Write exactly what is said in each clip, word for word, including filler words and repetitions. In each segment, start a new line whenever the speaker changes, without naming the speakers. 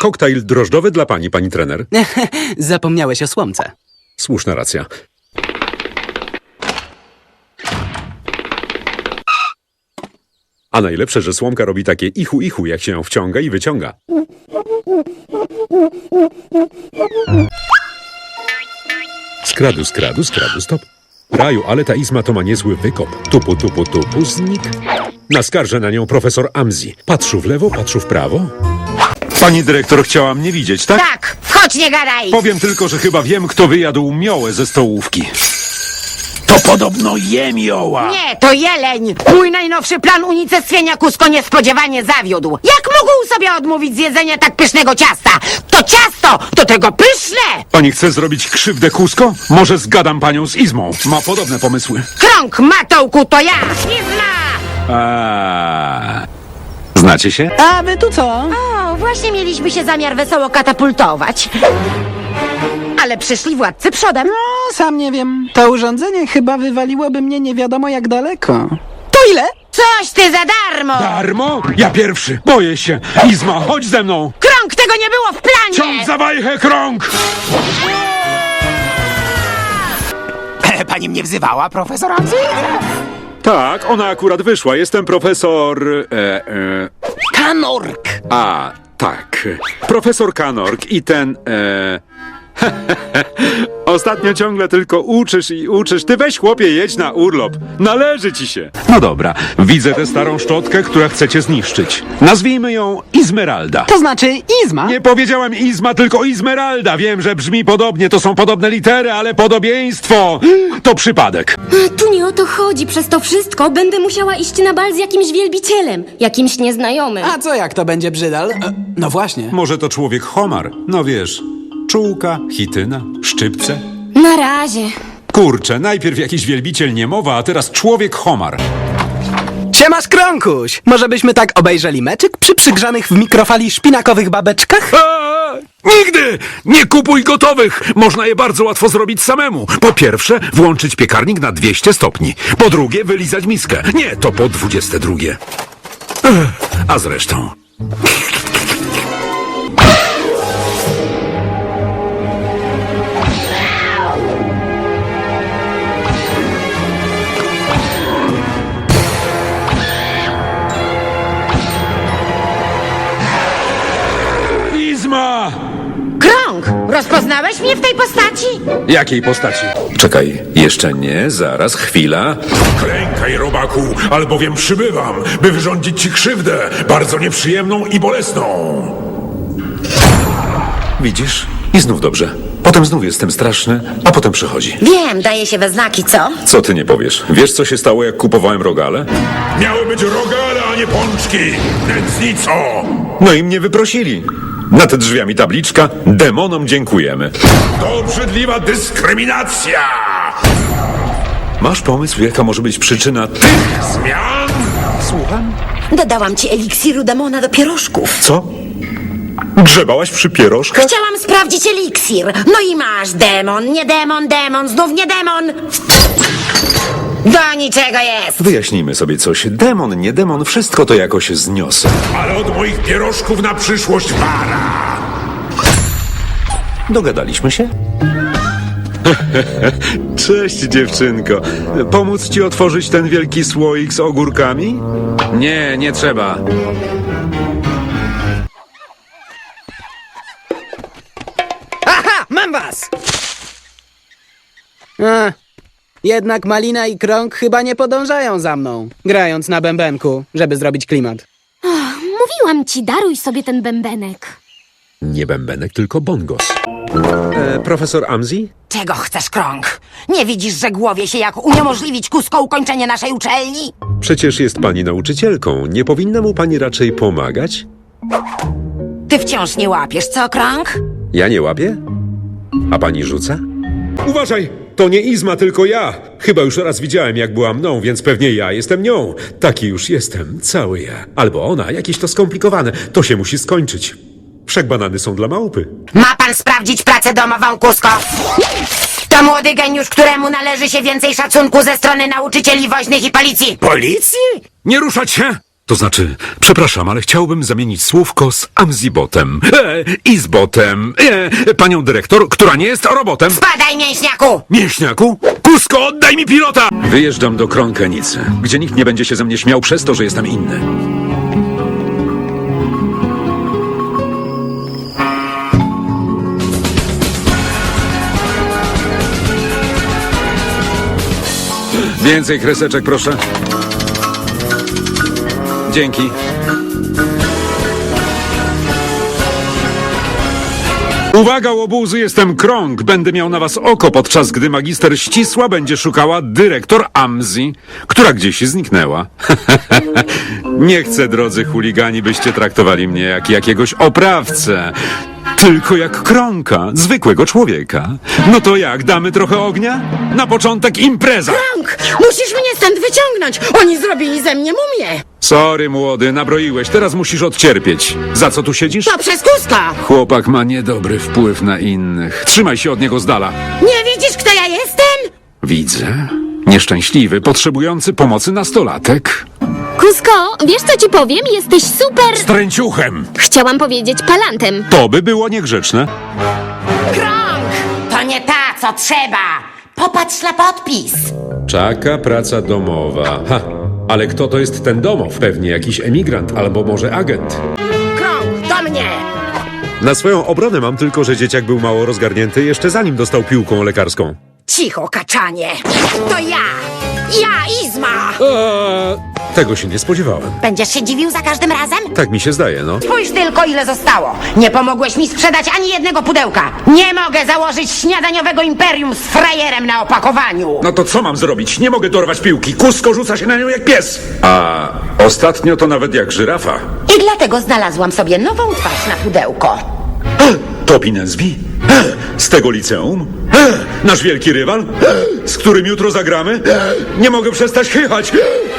Koktajl drożdżowy dla pani, pani trener.
Zapomniałeś o słomce.
Słuszna racja. A najlepsze, że słomka robi takie ichu ichu, jak się ją wciąga i wyciąga. Skradu, skradu, skradu, stop. Raju, ale ta izma to ma niezły wykop. Tupu, tupu, tupu, znik. Naskarżę na nią profesor Amzi. Patrzył w lewo, patrzył w prawo. Pani dyrektor chciała mnie widzieć, tak?
Tak, chodź, nie gadaj!
Powiem tylko, że chyba wiem, kto wyjadł miołę ze stołówki. To podobno jemioła!
Nie, to jeleń! Mój najnowszy plan unicestwienia Kusko niespodziewanie zawiódł. Jak mógł sobie odmówić z jedzenia tak pysznego ciasta? To ciasto, do tego pyszne!
Pani chce zrobić krzywdę Kusko? Może zgadam panią z Izmą. Ma podobne pomysły.
Krąg, Matołku, to ja! Izma!
A... Znacie się?
A wy tu co?
O, właśnie mieliśmy się zamiar wesoło katapultować. Ale przyszli władcy przodem.
No, sam nie wiem. To urządzenie chyba wywaliłoby mnie nie wiadomo jak daleko. To ile?
Coś ty za darmo!
Darmo? Ja pierwszy. Boję się. Izma, chodź ze mną.
Krąg, tego nie było w planie!
Ciąg za wajchę, krąg!
Pani mnie wzywała, profesor Amzy?
Tak, ona akurat wyszła. Jestem profesor... E, e,
Kanork!
a, tak. Profesor Kanork i ten... E, Ostatnio ciągle tylko uczysz i uczysz. Ty weź, chłopie, jedź na urlop. Należy ci się. No dobra, widzę tę starą szczotkę, która chcecie zniszczyć. Nazwijmy ją Izmeralda.
To znaczy Izma?
Nie powiedziałem Izma, tylko Izmeralda. Wiem, że brzmi podobnie, to są podobne litery, ale podobieństwo to przypadek.
Tu nie o to chodzi. Przez to wszystko będę musiała iść na bal z jakimś wielbicielem, jakimś nieznajomym.
A co jak to będzie brzydal? E, No właśnie.
Może to człowiek homar, no wiesz, czułka, chityna, szczypce.
Na razie.
Kurczę, najpierw jakiś wielbiciel niemowa, a teraz człowiek homar.
Siemasz, Krąkuś! Może byśmy tak obejrzeli meczyk przy przygrzanych w mikrofali szpinakowych babeczkach?
A, nigdy! Nie kupuj gotowych! Można je bardzo łatwo zrobić samemu. Po pierwsze, włączyć piekarnik na dwieście stopni. Po drugie, wylizać miskę. Nie, to po dwudzieste drugie. Ech, a zresztą... Izma!
Krąg, rozpoznałeś mnie w tej postaci?
Jakiej postaci? Czekaj, jeszcze nie, zaraz, chwila. Klękaj, robaku, albowiem przybywam, by wyrządzić ci krzywdę, bardzo nieprzyjemną i bolesną. Widzisz? I znów dobrze. Potem znów jestem straszny, a potem przychodzi.
Wiem, daje się we znaki, co?
Co ty nie powiesz? Wiesz, co się stało, jak kupowałem rogale? Miały być rogale, a nie pączki! Nędznico! No i mnie wyprosili. Nad drzwiami tabliczka demonom dziękujemy. To obrzydliwa dyskryminacja! Masz pomysł, jaka może być przyczyna tych zmian? Słucham?
Dodałam ci eliksiru demona do pierożków.
Co? Grzebałaś przy pierożkach?
Chciałam sprawdzić eliksir. No i masz demon, nie demon, demon, znów nie demon. Do niczego jest.
Wyjaśnijmy sobie coś. Demon, nie demon, wszystko to jakoś zniosę. Ale od moich pierożków na przyszłość wara! Dogadaliśmy się? Cześć, dziewczynko. Pomóc ci otworzyć ten wielki słoik z ogórkami? Nie, nie trzeba.
Aha, mam was! A, jednak Malina i Krąg chyba nie podążają za mną, grając na bębenku, żeby zrobić klimat.
Mówiłam ci, daruj sobie ten bębenek.
Nie bębenek, tylko bongos. E, profesor Amzi?
Czego chcesz, Krąg? Nie widzisz, że głowie się jak uniemożliwić Kusko ukończenie naszej uczelni?
Przecież jest pani nauczycielką. Nie powinna mu pani raczej pomagać?
Ty wciąż nie łapiesz, co, Krąg?
Ja nie łapię? A pani rzuca? Uważaj! To nie Izma, tylko ja. Chyba już raz widziałem, jak była mną, więc pewnie ja jestem nią. Taki już jestem, cały ja. Albo ona, jakieś to skomplikowane. To się musi skończyć. Wszak banany są dla małpy.
Ma pan sprawdzić pracę domową, Kusko? To młody geniusz, któremu należy się więcej szacunku ze strony nauczycieli woźnych i policji.
Policji? Nie ruszać się! To znaczy, przepraszam, ale chciałbym zamienić słówko z Amzibotem. E, I z botem. E, panią dyrektor, która nie jest robotem.
Spadaj, mięśniaku!
Mięśniaku? Kusko, oddaj mi pilota! Wyjeżdżam do Kronkenicy, gdzie nikt nie będzie się ze mnie śmiał przez to, że jestem inny. Więcej kreseczek, proszę. Dzięki. Uwaga, łobuzy, jestem Krąg. Będę miał na was oko, podczas gdy magister Ścisła będzie szukała dyrektor Amzi, która gdzieś zniknęła. Nie chcę, drodzy chuligani, byście traktowali mnie jak jakiegoś oprawcę. Tylko jak Krąka, zwykłego człowieka. No to jak, damy trochę ognia? Na początek impreza!
Krąg, musisz mnie stąd wyciągnąć! Oni zrobili ze mnie mumię!
Sorry, młody, nabroiłeś, teraz musisz odcierpieć. Za co tu siedzisz?
To przez Kuska!
Chłopak ma niedobry wpływ na innych. Trzymaj się od niego z dala.
Nie widzisz, kto ja jestem?
Widzę. Nieszczęśliwy, potrzebujący pomocy nastolatek.
Kusko, wiesz co ci powiem? Jesteś super...
Tręciuchem!
Chciałam powiedzieć palantem.
To by było niegrzeczne.
Krąg! To nie ta, co trzeba! Popatrz na podpis!
Czaka praca domowa. Ha, ale kto to jest ten domow? Pewnie jakiś emigrant albo może agent.
Krąg, do mnie!
Na swoją obronę mam tylko, że dzieciak był mało rozgarnięty jeszcze zanim dostał piłką lekarską.
Cicho, kaczanie! To ja! Ja, Izma!
Eee, tego się nie spodziewałem.
Będziesz się dziwił za każdym razem?
Tak mi się zdaje, no.
Spójrz tylko, ile zostało. Nie pomogłeś mi sprzedać ani jednego pudełka. Nie mogę założyć śniadaniowego imperium z frajerem na opakowaniu.
No to co mam zrobić? Nie mogę dorwać piłki. Kusko rzuca się na nią jak pies. A ostatnio to nawet jak żyrafa.
I dlatego znalazłam sobie nową twarz na pudełko.
Topi Nesby? Z tego liceum? Nasz wielki rywal? Z którym jutro zagramy? Nie mogę przestać chychać.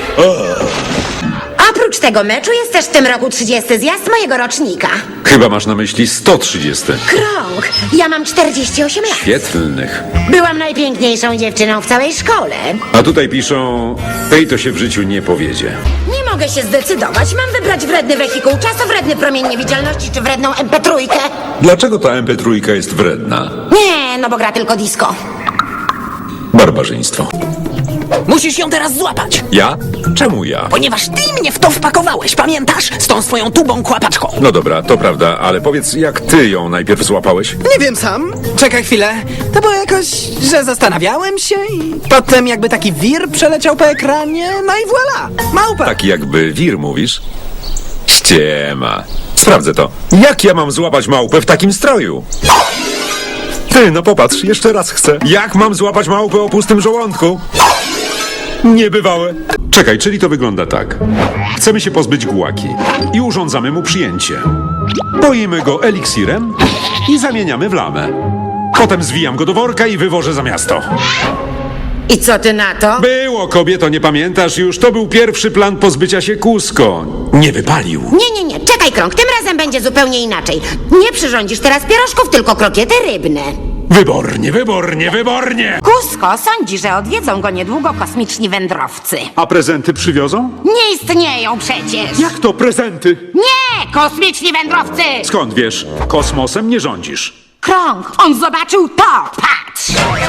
Oprócz tego meczu jest też w tym roku trzydziesty zjazd mojego rocznika.
Chyba masz na myśli sto trzydzieści.
Krąg, ja mam czterdzieści osiem lat.
Świetlnych.
Byłam najpiękniejszą dziewczyną w całej szkole.
A tutaj piszą, tej to się w życiu nie powiedzie.
Nie mogę się zdecydować. Mam wybrać wredny wehikuł czasu, wredny promień niewidzialności czy wredną em pe trzy.
Dlaczego ta em pe trzy jest wredna?
Nie, no bo gra tylko disco.
Barbarzyństwo.
Musisz ją teraz złapać,
Ja? Czemu ja?
ponieważ ty mnie w to wpakowałeś, pamiętasz? Z tą swoją tubą kłapaczką.
No dobra, to prawda, ale powiedz, jak ty ją najpierw złapałeś?
Nie wiem sam. Czekaj chwilę. To było jakoś, że zastanawiałem się i potem jakby taki wir przeleciał po ekranie, no i voilà. Małpa.
Taki jakby wir, mówisz? Ściema. Sprawdzę to. Jak ja mam złapać małpę w takim stroju? Ty, no popatrz, jeszcze raz chcę. Jak mam złapać małpę o pustym żołądku? Niebywałe. Czekaj, czyli to wygląda tak. Chcemy się pozbyć gułaki i urządzamy mu przyjęcie. Poimy go eliksirem i zamieniamy w lamę. Potem zwijam go do worka i wywożę za miasto.
I co ty na to?
Było, kobieto, nie pamiętasz już? To był pierwszy plan pozbycia się Kusko. Nie wypalił.
Nie, nie, nie, czekaj Krąg, tym razem będzie zupełnie inaczej. Nie przyrządzisz teraz pierożków, tylko krokiety rybne.
Wybornie, wybornie, wybornie!
Kusko sądzi, że odwiedzą go niedługo kosmiczni wędrowcy.
A prezenty przywiozą?
Nie istnieją przecież!
Jak to prezenty?
Nie! Kosmiczni wędrowcy!
Skąd wiesz? Kosmosem nie rządzisz.
Krąg, on zobaczył to! Patrz!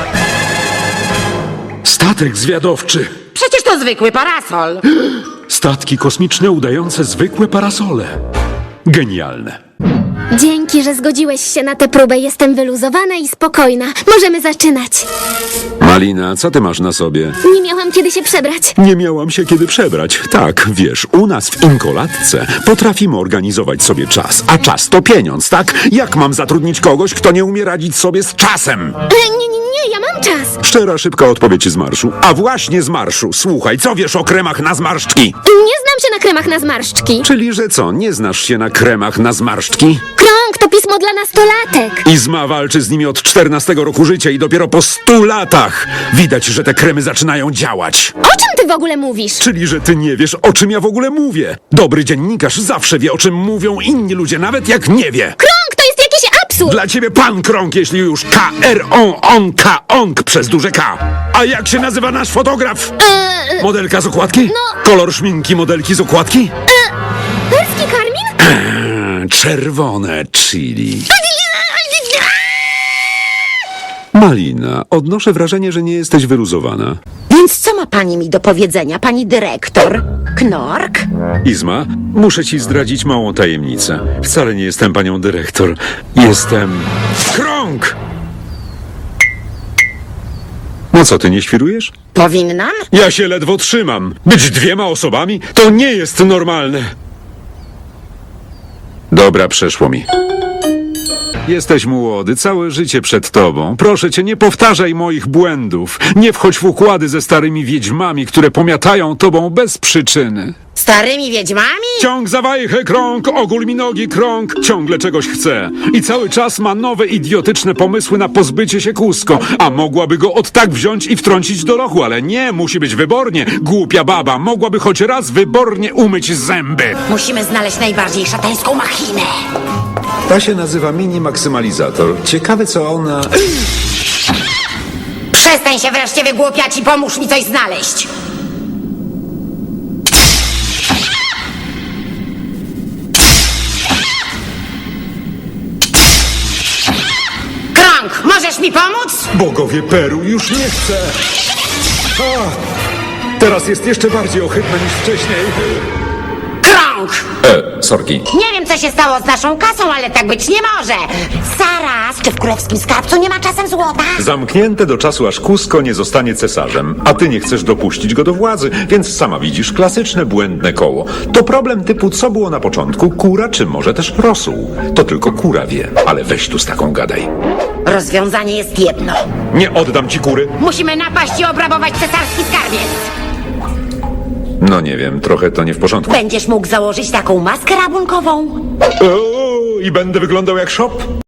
Statek zwiadowczy.
Przecież to zwykły parasol.
Statki kosmiczne udające zwykłe parasole. Genialne.
Dzięki, że zgodziłeś się na tę próbę. Jestem wyluzowana i spokojna. Możemy zaczynać.
Malina, co ty masz na sobie?
Nie miałam kiedy się przebrać.
Nie miałam się kiedy przebrać. Tak, wiesz, u nas w Inkolatce potrafimy organizować sobie czas, a czas to pieniądz, tak? Jak mam zatrudnić kogoś, kto nie umie radzić sobie z czasem?
E, nie, nie, nie, ja mam czas.
Szczera, szybka odpowiedź z marszu. A właśnie z marszu. Słuchaj, co wiesz o kremach na zmarszczki?
Nie znam się na kremach na zmarszczki.
Czyli, że co, nie znasz się na kremach na zmarszczki?
Krąg to pismo dla nastolatek.
Izma walczy z nimi od czternastego roku życia i dopiero po stu latach widać, że te kremy zaczynają działać.
O czym ty w ogóle mówisz?
Czyli, że ty nie wiesz, o czym ja w ogóle mówię. Dobry dziennikarz zawsze wie, o czym mówią inni ludzie, nawet jak nie wie.
Krąg to jest jakiś absurd.
Dla ciebie pan Krąg, jeśli już K R O N K ONK przez duże K. A jak się nazywa nasz fotograf?
Eee,
Modelka z okładki?
No.
Kolor szminki modelki z okładki?
czerwone chili. Malina, odnoszę wrażenie, że nie jesteś wyluzowana.
Więc co ma pani mi do powiedzenia, pani dyrektor? Knork?
Izma, muszę ci zdradzić małą tajemnicę. Wcale nie jestem panią dyrektor. Jestem... Krąg! No co, ty nie świrujesz?
Powinnam?
Ja się ledwo trzymam. Być dwiema osobami? To nie jest normalne. Dobra, przeszło mi. Jesteś młody, całe życie przed tobą. Proszę cię, nie powtarzaj moich błędów. Nie wchodź w układy ze starymi wiedźmami, które pomiatają tobą bez przyczyny.
Starymi wiedźmami?
Ciąg za wajchę, krąg, ogól mi nogi, krąg, ciągle czegoś chce. I cały czas ma nowe, idiotyczne pomysły na pozbycie się Kusko. A mogłaby go od tak wziąć i wtrącić do lochu, ale nie, musi być wybornie. Głupia baba, mogłaby choć raz wybornie umyć zęby.
Musimy znaleźć najbardziej szatańską machinę.
Ta się nazywa mini maksymalizator. Ciekawe, co ona...
Przestań się wreszcie wygłupiać i pomóż mi coś znaleźć. Krąg, możesz mi pomóc?
Bogowie Peru, już nie chcę! A, teraz jest jeszcze bardziej ohydne niż wcześniej.
Krąg!
E, sorki.
Nie wiem, co się stało z naszą kasą, ale tak być nie może. Zaraz, czy w królewskim skarbcu nie ma czasem złota?
Zamknięte do czasu, aż Kusko nie zostanie cesarzem, a ty nie chcesz dopuścić go do władzy, więc sama widzisz klasyczne błędne koło. To problem typu, co było na początku, kura czy może też rosół. To tylko kura wie, ale weź tu z taką gadaj.
Rozwiązanie jest jedno.
Nie oddam ci kury.
Musimy napaść i obrabować cesarski skarbiec.
No nie wiem, trochę to nie w porządku.
Będziesz mógł założyć taką maskę rabunkową?
O, i będę wyglądał jak szop?